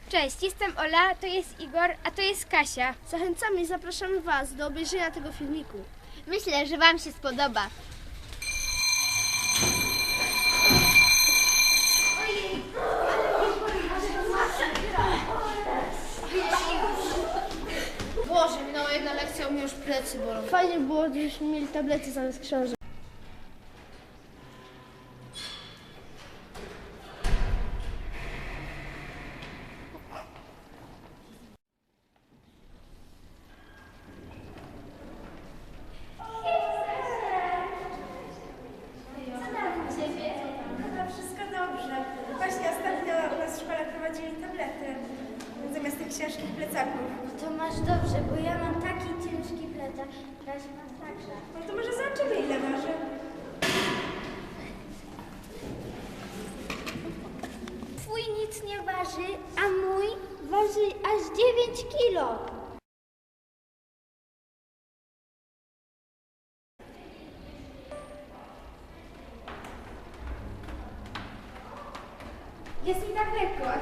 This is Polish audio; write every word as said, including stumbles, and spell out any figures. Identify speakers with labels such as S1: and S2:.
S1: Cześć, jestem Ola, to jest Igor, a to jest Kasia.
S2: Zachęcamy i zapraszamy Was do obejrzenia tego filmiku.
S1: Myślę, że Wam się spodoba.
S3: Boże, minęła jedna lekcja, u mnie już plecy bolą.
S2: Fajnie było, gdybyśmy mieli tablety zamiast książek.
S4: No wszystko dobrze. Właśnie ostatnio u nas w szkole prowadzili tablety zamiast tych ciężkich plecaków.
S5: To masz dobrze, bo ja mam taki ciężki plecak. Kasia ma także.
S4: No to może zobaczymy, ile waży.
S5: Twój nic nie waży, a mój waży aż dziewięć kilo.
S1: Jest mi tak lekko, a